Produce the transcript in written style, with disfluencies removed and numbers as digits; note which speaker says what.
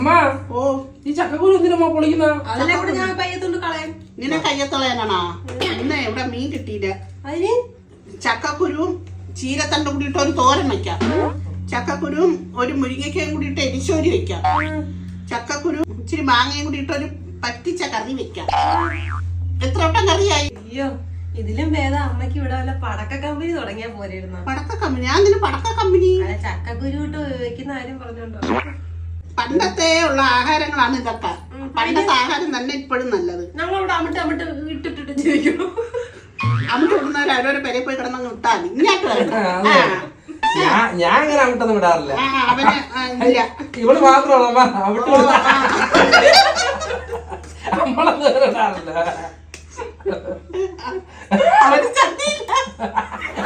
Speaker 1: അമ്മ ഓ ഈ ചക്കക്കുരു എന്തിനമ്മ പൊളിക്കുന്ന?
Speaker 2: അതിനെ കൂടെ ഞാൻ കയ്യത്തോണ്ട് കളയാൻ.
Speaker 3: നിന്നെ കയ്യത്തളയാനാണോ? ഇന്ന് ഇവിടെ മീൻ കിട്ടിയില്ല.
Speaker 2: അതിന്
Speaker 3: ചക്കക്കുരുവും ചീരത്തണ്ടും കൂടിയിട്ട് ഒരു തോരൻ വെക്കാം. ചക്കക്കുരുവും ഒരു മുരിങ്ങയ്ക്കയും കൂടിയിട്ട് എരിശോരി വെക്കാം. ചക്കക്കുരു ഇച്ചിരി മാങ്ങയും കൂടിയിട്ട് ഒരു പറ്റിച്ച കറി വെക്കാം. എത്ര വട്ടം കറിയായി?
Speaker 2: അയ്യോ, ഇതിലും ഭേദം അമ്മയ്ക്ക് ഇവിടെ വല്ല പടക്ക കമ്പനി തുടങ്ങിയാ പോരായിരുന്നു.
Speaker 3: പടക്ക കമ്പനി? ഞാൻ ഇതിന് പടക്ക കമ്പനി
Speaker 2: ചക്കക്കുരു ഇട്ട് വെക്കുന്ന കാര്യം പറഞ്ഞോണ്ടോ.
Speaker 3: പണ്ടത്തെ ഉള്ള ആഹാരങ്ങളാണ് ഇതൊക്കെ. പണ്ടത്തെ ആഹാരം തന്നെ ഇപ്പോഴും നല്ലത്.
Speaker 2: ഞങ്ങളിവിടെ അമിട്ട് ഇട്ടിട്ട് ജീവിക്കണം.
Speaker 3: അമിട്ട് ഇടുന്നവർ അവരവരെ പെരെ പോയി കിടന്നങ്ങ് വിട്ടാൽ മതി. ഇങ്ങോട്ട്
Speaker 1: ഞാൻ ഇങ്ങനെ അവിട്ടൊന്നും വിടാറില്ല.
Speaker 3: അവന് ഇല്ല.
Speaker 1: ഇവള് മാത്രമാണ് നമ്മളൊന്നും വിടാറില്ല.
Speaker 3: അവന് ചട്ടിയില്ല.